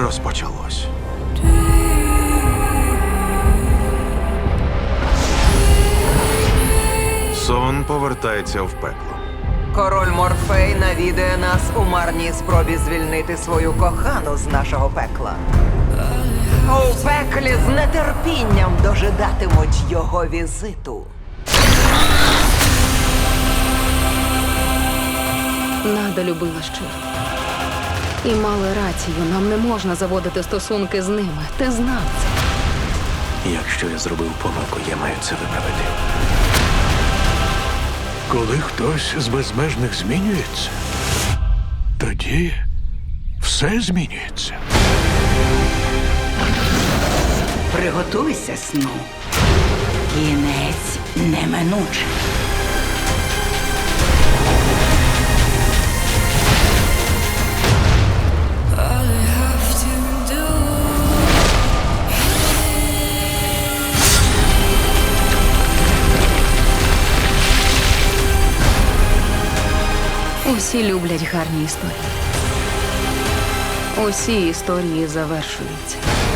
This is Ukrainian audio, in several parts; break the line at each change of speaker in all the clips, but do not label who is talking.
розпочалось. Сон повертається в пекло.
Король Морфей навідує нас у марній спробі звільнити свою кохану з нашого пекла. У пеклі з нетерпінням дожидатимуть його візиту.
Нада любила щиро. І мали рацію, нам не можна заводити стосунки з ними. Ти знав це.
Якщо я зробив помилку, я маю це виправити.
Коли хтось з безмежних змінюється, тоді все змінюється.
Приготуйся, сну. Кінець неминучий.
Усі люблять гарні історії. Усі історії завершуються.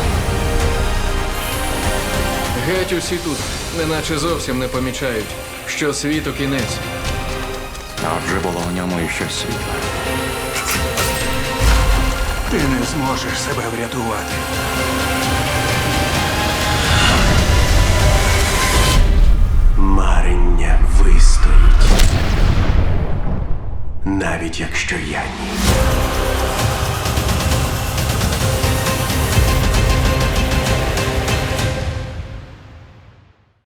Геть усі тут, неначе зовсім не помічають, що світу кінець.
Отже, було в ньому і щось світле.
Ти не зможеш себе врятувати.
Марення вистоїть. Навіть якщо я ні.